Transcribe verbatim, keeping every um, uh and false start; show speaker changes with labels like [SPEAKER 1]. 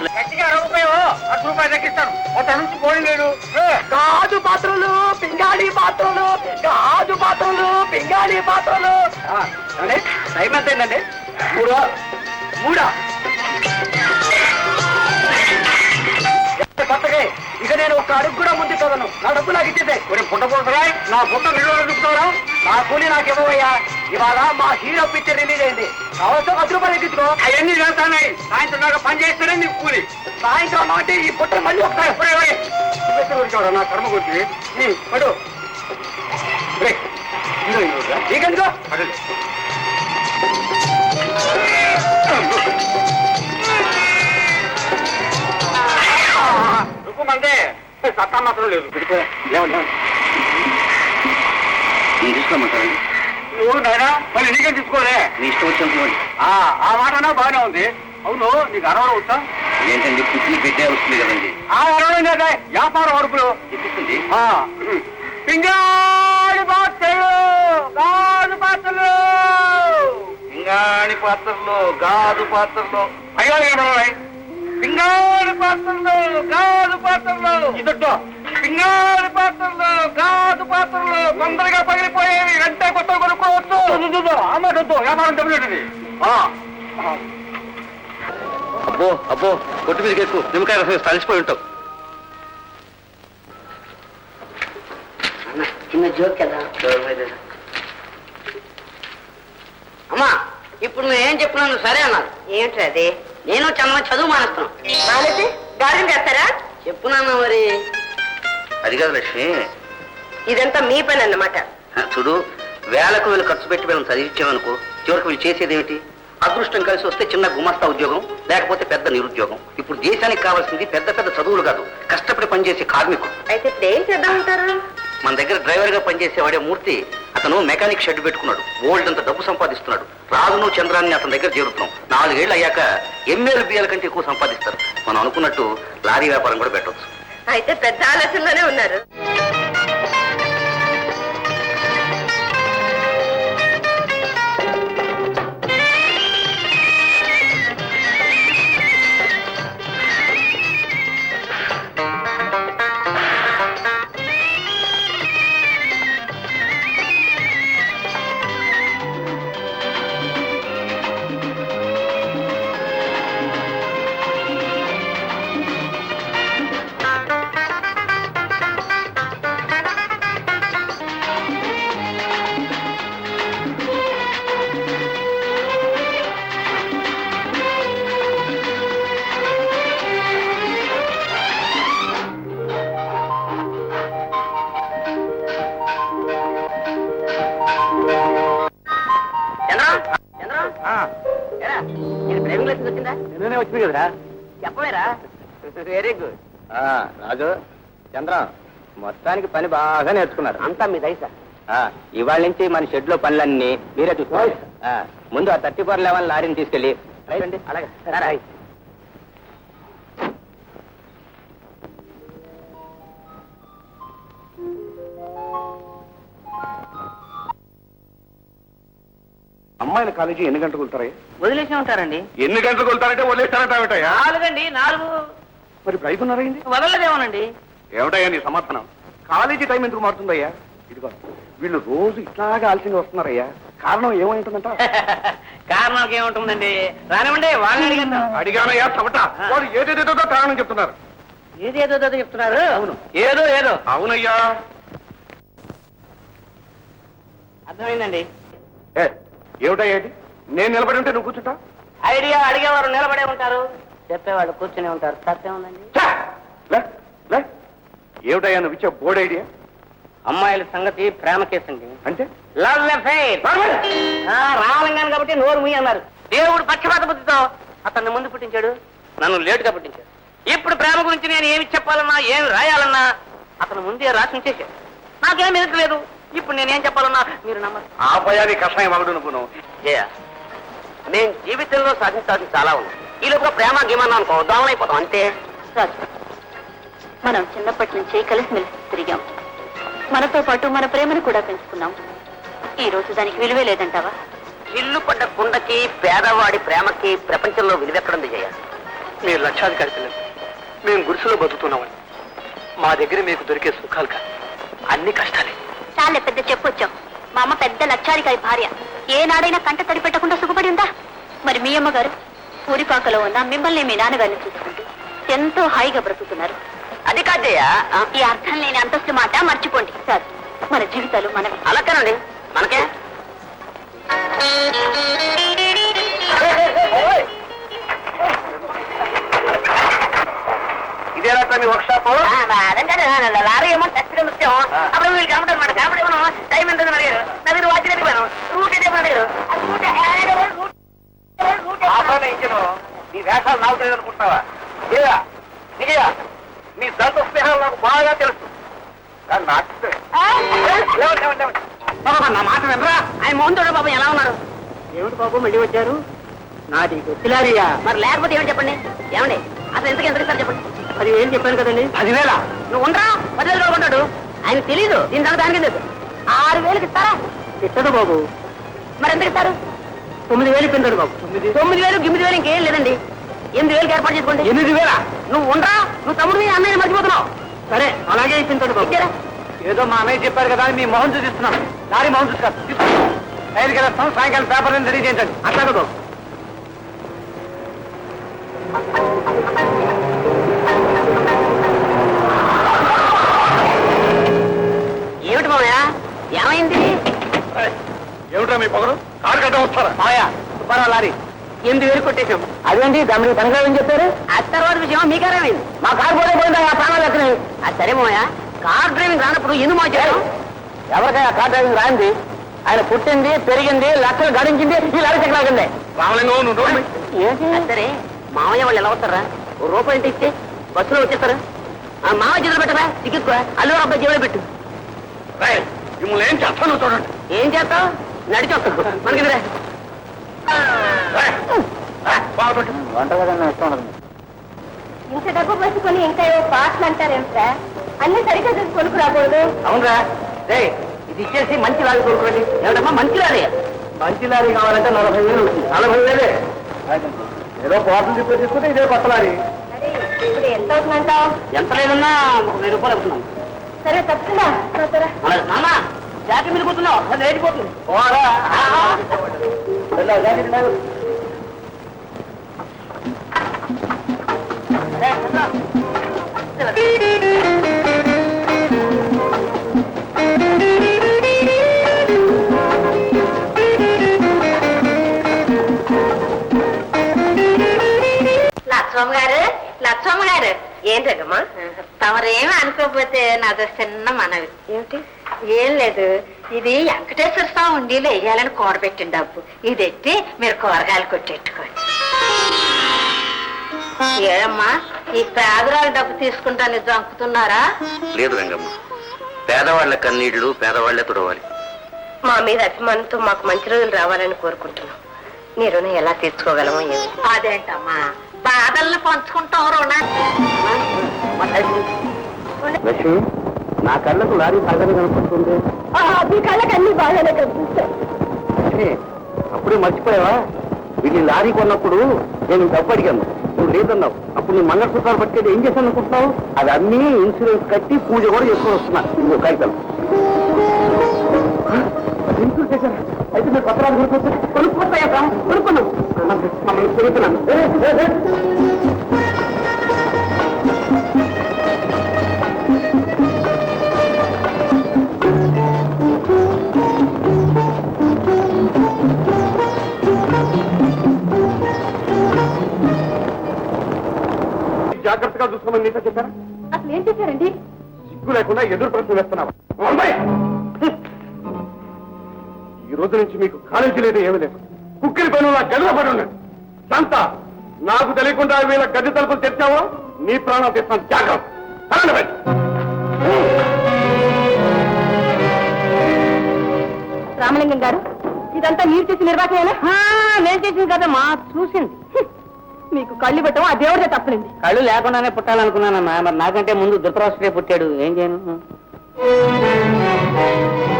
[SPEAKER 1] పాత్రలు
[SPEAKER 2] గట్టిగా రూపాయో అర్ధ రూపాయలు తగ్గిస్తాను ఒక నుంచి పోయి లేడు
[SPEAKER 3] గాజు పాత్రలు పింగాళి పాత్రలు గాజు పాత్రలు పింగాళి పాత్రలు.
[SPEAKER 2] టైం ఎంత అయిందండి? మూడా మూడా కొత్తగా ఇక నేను ఒక అడుగు కూడా ముందు చదవను. నా డబ్బు నాకు ఇచ్చేదే. పుట్టపోతురా నా పుట్ట నిల్వ చూపుతావరా? నా కూలి నాకు ఇవ్వవయ్యా. ఇవాళ మా హీరో పిక్చర్ రిలీజ్ అయింది. కావచ్చు పది రూపాయలు ఎక్కించుకో. అవన్నీ చేస్తానాయి. సాయంత్రం దాకా పని చేస్తేనే నీకు కూలి. సాయంత్రం అంటే ఈ పుట్ట మళ్ళీ ఒకసారి ఎప్పుడే నా కర్మ గురించి పడు నీకెందుకో మందే సత్తా మాత్రం లేదు.
[SPEAKER 1] తీసుకోమంటారండి?
[SPEAKER 2] నువ్వు నాయనా మళ్ళీ నీకేం తీసుకోలే.
[SPEAKER 1] మీ ఇష్టం వచ్చినప్పుడు
[SPEAKER 2] ఆ మాటనా బాగానే ఉంది. అవును నీకు అరవడం వచ్చా?
[SPEAKER 1] ఏంటండి పుట్టిన పెట్టే వస్తుంది కదండి.
[SPEAKER 2] ఆ అరవడం లేదా వ్యాపార వరకులు
[SPEAKER 1] చెప్పింది.
[SPEAKER 2] పింగాణి పాత్రలు గాజు పాత్రలు
[SPEAKER 1] పింగాణి పాత్రలో గాజు పాత్రలో
[SPEAKER 2] అయ్యో పింగాణి పాత్రలు గాజు పాత్రలు ఇదొట్టు పింగాణి పాత్రలు గాజు పాత్రలు తొందరగా పగిలిపోయేవి. వెంటనే కొత్త కొనుక్కోవచ్చు. అమ్మతో వ్యాపారం దెబ్బతింటుంది.
[SPEAKER 1] అబ్బో అబ్బో కొట్టు మీదకి ఎక్కువ నిమ్మకాయ రసం తలిసిపోయి ఉంటావు.
[SPEAKER 3] చిన్న జోక్ కదా అమ్మా. ఇప్పుడు నువ్వేం చెప్పినాను సరే అన్నారు. ఏమిటి అది? నేను చంద్ర చదువు మానేస్తున్నాను. మానేసి గార్డెన్ చేస్తారా? చెప్పున్నాను మరి.
[SPEAKER 1] అది కాదు లక్ష్మి,
[SPEAKER 3] ఇదంతా మీ పని అన్నమాట.
[SPEAKER 1] చూడు, వేలకు వేలు ఖర్చు పెట్టి మేము చదివించామనుకో, చివరికి వీళ్ళు చేసేది ఏమిటి? అదృష్టం కలిసి వస్తే చిన్న గుమాస్తా ఉద్యోగం, లేకపోతే పెద్ద నిరుద్యోగం. ఇప్పుడు దేశానికి కావాల్సింది పెద్ద పెద్ద చదువులు కాదు, కష్టపడి పనిచేసే కార్మికుడు.
[SPEAKER 3] అయితే ఇప్పుడు ఏం చేద్దామంటారు?
[SPEAKER 1] మన దగ్గర డ్రైవర్ గా పనిచేసేవాడే మూర్తి, అతను మెకానిక్ షెడ్ పెట్టుకున్నాడు. ఓల్డ్ అంత డబ్బు సంపాదిస్తున్నాడు. రాజును చంద్రాన్ని అతని దగ్గర చేరుతున్నాం. నాలుగేళ్లు అయ్యాక ఎంఏలు బిఏల కంటే ఎక్కువ సంపాదిస్తారు. మనం అనుకున్నట్టు లారీ వ్యాపారం కూడా పెట్టవచ్చు.
[SPEAKER 3] అయితే పెద్ద ఆలోచనలోనే ఉన్నారు.
[SPEAKER 2] నేనే వచ్చింది కదరా.
[SPEAKER 3] చెప్పవేరా? Very good.
[SPEAKER 2] రాజు చంద్ర మొత్తానికి పని బాగా నేర్చుకున్నారు.
[SPEAKER 3] అంతా మీ దయసా.
[SPEAKER 2] ఇవాళ నుంచి మన షెడ్ లో పనులన్నీ మీరే చూసుకోవాలి. ముందు ఆ థర్టీ ఫోర్ లెవెన్ లారీని తీసుకెళ్ళి రైట్. అలాగే అమ్మాయిల కాలేజీ ఎన్ని గంటలకు వెళ్తారా?
[SPEAKER 3] వదిలేసి ఉంటారండి.
[SPEAKER 2] ఎన్ని గంటలకు వెళ్తారంటే వదిలేస్తారంటావేటయ్యా?
[SPEAKER 3] నాలుగండి. నాలుగు.
[SPEAKER 2] మరి ఇప్పుడు ఐదున్నరైంది.
[SPEAKER 3] వదలదేమోనండి.
[SPEAKER 2] ఏమిటయ్యా నీ సమాధానం? కాలేజీ టైం ఎందుకు మారుతుందయ్యా? ఇదిగో వీళ్ళు రోజు ఇట్లాగా ఆలస్యంగా వస్తున్నారయ్యా. కారణం ఏమై ఉంటుందంట?
[SPEAKER 3] కారణం ఏముంటుందండి? రానివ్వండి, వాళ్ళని అడిగాను.
[SPEAKER 2] అడిగానయ్యా చవట. వాళ్ళు ఏదేదేదో కారణం చెప్తున్నారు.
[SPEAKER 3] ఏదేదో చెప్తున్నారు?
[SPEAKER 2] అవును.
[SPEAKER 3] ఏదో ఏదో.
[SPEAKER 2] అవునయ్యా.
[SPEAKER 3] అర్థమైందండి.
[SPEAKER 2] ఏమిటయ్యా ఇది? నేను నిలబడి ఉంటే నువ్వు కూర్చుంటా?
[SPEAKER 3] ఐడియా అడిగేవారు నిలబడే ఉంటారు, చెప్పేవాళ్ళు కూర్చునే ఉంటారు. తప్పేముందండి?
[SPEAKER 2] ఏమిటయ్యా నువ్వు ఇచ్చే బోర్డ్ ఐడియా?
[SPEAKER 3] అమ్మాయిల సంగతి ప్రేమ కేసు అండి.
[SPEAKER 2] అంటే
[SPEAKER 3] లవ్ అఫైర్. రావాలంగాను కాబట్టి నోరు ముయ్యి అన్నారు. దేవుడు పక్షపాత బుద్ధితో అతన్ని ముందు పుట్టించాడు, నన్ను లేటుగా పుట్టించాడు. ఇప్పుడు ప్రేమ గురించి నేను ఏమి చెప్పాలన్నా ఏమి రాయాలన్నా అతను ముందే రాసి ఉంచేశాడు. నాకేం ఎదురలేదు. ఇప్పుడు నేనేం చెప్పాలన్నా మీరు నమ్మరు.
[SPEAKER 2] ఆ భయాన్ని కషాయం అవడు నువ్వు.
[SPEAKER 3] నేను జీవితంలో సాధించాల్సి చాలా ఉంది. ఈ లోపల ప్రేమ గేమన్నా అనుకో దోమలైపోతాం అంతే.
[SPEAKER 4] మనం చిన్నప్పటి నుంచి కలిసిమెలిసి తిరిగాం. మనతో పాటు మన ప్రేమను కూడా పెంచుకున్నాం. ఈ రోజు దానికి విలువే లేదంటావా?
[SPEAKER 3] ఇల్లు పడ్డ కుండకి పేదవాడి ప్రేమకి ప్రపంచంలో విలువెక్కడుంది జయ?
[SPEAKER 2] మీరు లక్షాధికారి పిల్లలు, మేము గుడిసెలో బతుకుతున్నామని. మా దగ్గర మీకు దొరికే సుఖాలు కాదు, అన్ని కష్టాలే.
[SPEAKER 4] చాలే పెద్ద చెప్పొచ్చాం. మా అమ్మ పెద్ద లక్షాధికారి భార్య, ఏనాడైనా కంట తడి పెట్టకుండా సుఖపడి ఉందా? మరి మీ అమ్మగారు ఊరిపాకలో ఉన్న మిమ్మల్ని మీ నాన్నగారిని చూసుకుంటూ ఎంతో హాయిగా బ్రతుకుతున్నారు.
[SPEAKER 3] అది కాదయ్యా,
[SPEAKER 4] ఈ అర్థం లేని అంతస్తు మాట మర్చిపోండి సార్. మన జీవితాలు మనవి.
[SPEAKER 3] అలాగేనండి, మనకే.
[SPEAKER 2] ఇదేనా మీ వర్క్ షాప్?
[SPEAKER 3] లారీ ఏమో చచ్చిన ముత్యం. అప్పుడు వీళ్ళు కనబడరు మాట కనబడి టైం ఎంత అడిగారు. నా మీరు వాచి చెప్పాను, రూట్ అయితే అడిగారు.
[SPEAKER 2] నీ వేషాలు నాకు తెలియదు అనుకుంటున్నావా? లేదా నిజయ నీ దంత స్నేహాలు నాకు బాగా తెలుసు. కానీ నాకు
[SPEAKER 3] నా మాట వినరా? ఆయన మోహన్ తోడు బాబు ఎలా ఉన్నారు?
[SPEAKER 2] ఏమిటి బాబు మళ్ళీ వచ్చారు? నాది గుర్తులారియా.
[SPEAKER 3] మరి లేకపోతే ఏమని చెప్పండి. ఏమండి అసలు ఎంతకి ఎంత ఇస్తారు చెప్పండి.
[SPEAKER 2] పదివేలు చెప్పాను కదండి. పదివేల
[SPEAKER 3] నువ్వు ఉండరా? పదివేలు కొనుక్కుంటాడు. ఆయన తెలీదు దీని సంగతి దానికి లేదు. ఆరు వేలకు ఇస్తారా?
[SPEAKER 2] ఇట్టదు బాబు.
[SPEAKER 3] మరి ఎందుకు ఇస్తారు?
[SPEAKER 2] తొమ్మిది వేలు కిందడు బాబు. తొమ్మిది
[SPEAKER 3] తొమ్మిది వేలు గిమ్మిది వేలు ఇంకేం లేదండి. ఎనిమిది వేలకు ఏర్పాటు చేసుకోండి.
[SPEAKER 2] ఎనిమిది వేల
[SPEAKER 3] నువ్వు ఉండరా? నువ్వు తమ్ముడిని అన్నయ్యని మర్చిపోతున్నావు.
[SPEAKER 2] సరే అలాగే ఇప్పించండి బాబు.
[SPEAKER 3] ఇచ్చారా?
[SPEAKER 2] ఏదో మా అన్నయ్య చెప్పారు కదా అని మీ మొహం చూపిస్తున్నాను. దారి మొహం చూసుకోవాలి. రైలుకి వెళ్ళొస్తాం, సాయంకాలం పేపర్ రెడీ చేయించండి. అట్లాగే బాబు.
[SPEAKER 3] ఏమిటి మామయ్య, ఏమైంది?
[SPEAKER 2] ఏమిటా మీ పొగరు? కారు కట్ట వస్తారా? మాయా సుబ్బారావు లారీ ఎనిమిది వేలు కొట్టేశాం. అదేంటి దాని తనఖా ఏం చెప్పారు?
[SPEAKER 3] ఆ తర్వాత విషయం మీ కారేమైంది?
[SPEAKER 2] మా కారు పోతే పోయిందా? ఆ ప్రాణాలు ఎక్కడివి?
[SPEAKER 3] అది సరే మామయ్య, కార్ డ్రైవింగ్ రానప్పుడు ఎందుకు మార్చారు?
[SPEAKER 2] ఎవరికైనా కార్ డ్రైవింగ్ రాయింది? ఆయన పుట్టింది, పెరిగింది, లక్షలు గడించింది ఈ లారీ చెక్కలాగింది. రామలింగం నువ్వు రోడ్డు ఏంటి?
[SPEAKER 3] అది సరే మామయ్య వాళ్ళు ఎలా వస్తారా? ఓ రూపాయి అంటే ఇస్తే బస్సులో వచ్చేస్తారా? ఆ మామయ్య చేతులు పెట్టరా, టికెట్ అల్లు అబ్బాయి జేబులో పెట్టు.
[SPEAKER 2] మిమ్మల్ని ఏం చేస్తాను చూడండి.
[SPEAKER 3] ఏం చేస్తావు? నడిచి వస్తావు మనకి
[SPEAKER 2] వంట కదన్నా ఇష్టం ఉండదు.
[SPEAKER 4] ఇంత డబ్బు పట్టుకొని ఇంకా ఏవో పాటలు అంటారేమిట్రా? అన్ని సరిగ్గా చూసి కొనుక్కు రాకూడదు.
[SPEAKER 3] అవునరా రే, ఇది ఇచ్చేసి మంచి లారీ కొనుక్కోండి. ఏమిటమ్మా మంచి లారీ?
[SPEAKER 2] మంచి లారీ కావాలంటే నలభై వేలు అవుతుంది. నలభై వేలే ఏదో బాటిల్ తిప్పి తీసుకుంటే ఇదే కొత్త లారీ.
[SPEAKER 4] మరి ఇప్పుడు ఎంత అవుతుందంటావు?
[SPEAKER 3] ఎంత లేదన్నా ఒక వెయ్యి రూపాయలు అవుతున్నాం.
[SPEAKER 4] సరే తప్పుతుందా?
[SPEAKER 3] నాన్న జాకెట్ మీద కూర్చున్నావు, అది లేచిపోతుంది.
[SPEAKER 2] పోరా. వెళ్ళు, జాకెట్ లేదు.
[SPEAKER 3] రే, కూర్చో.
[SPEAKER 4] లక్ష్మమ్మ గారు, లక్ష్మమ్మ గారు ఏంటమ్మా? తమరేమి అనుకోకపోతే నాదో చిన్న మనవి. ఏమిటి? ఏం లేదు, ఇది వెంకటేశ్వర స్వామి ఉండీలో వేయాలని కూడబెట్టిన డబ్బు. ఇది ఎట్టి మీరు కూరగాయలు కొట్టెట్టుకోండి. ఏమమ్మా ఈ పేదరాలు డబ్బు తీసుకుంటాను జంకుతున్నారా?
[SPEAKER 1] లేదు రంగమ్మ, పేదవాళ్ల కన్నీళ్లు పేదవాళ్లే తుడవాలి.
[SPEAKER 4] మా మీద అభిమానంతో మాకు మంచి రోజులు రావాలని కోరుకుంటున్నాం. నీ రుణం ఎలా తీర్చుకోగలమో ఏమి. అదేంటమ్మా బాధల్ని పంచుకుంటాం రుణాన్ని.
[SPEAKER 2] లక్ష్మి, నా కళ్ళకు లారీ బాగానే కనిపిస్తుంది.
[SPEAKER 4] మీ కళ్ళకి అన్ని బాగానే కనిపిస్తాయి.
[SPEAKER 2] లక్ష్మి, అప్పుడే మర్చిపోయావా? వీళ్ళు లారీ కొన్నప్పుడు నేను డబ్బు అడిగాను, నువ్వు లేదన్నావు. అప్పుడు నువ్వు మంగళసూత్రాలు పట్టుకెళ్ళి ఏం చేశాను అనుకుంటున్నావు? అది అన్నీ ఇన్సూరెన్స్ కట్టి పూజ కూడా చేసుకొని వస్తున్నా. ఇంకో కాగితం ఇన్సూరెన్స్ చేశాను. అయితే మీరు పత్రాలు కొనుక్కోవచ్చు. కొనుక్కోతాయా? కొనుక్కున్నాను. మమ్మల్ని కొనుక్కున్నాను. జాగ్రత్తగా చూసుకోమని నీతో చెప్పారా?
[SPEAKER 4] అసలు ఏం చేశారండి?
[SPEAKER 2] సిగ్గు లేకుండా ఎదురు ప్రశ్న వేస్తున్నావా? ఈ రోజు నుంచి మీకు కాలేజీ లేదు, ఏమీ లేదు. కుక్కిరి పైన గదిలో పడి ఉన్నాడు. శాంత, నాకు తెలియకుండా వీళ్ళ గది తలుపులు తెచ్చావో నీ ప్రాణం తెస్తాను. జాగ్రత్త.
[SPEAKER 4] రామలింగం గారు, ఇదంతా మీరు చేసి నిర్వాహమేనా?
[SPEAKER 3] నేను చేసింది కదమ్మా, చూసింది.
[SPEAKER 4] మీకు కళ్ళు పెట్టడం ఆ దేవుడే తప్పలేదు.
[SPEAKER 3] కళ్ళు లేకుండానే పుట్టాలనుకున్నానమ్మా. మరి నాకంటే ముందు ధృతరాష్ట్రే పుట్టాడు, ఏం చేయను?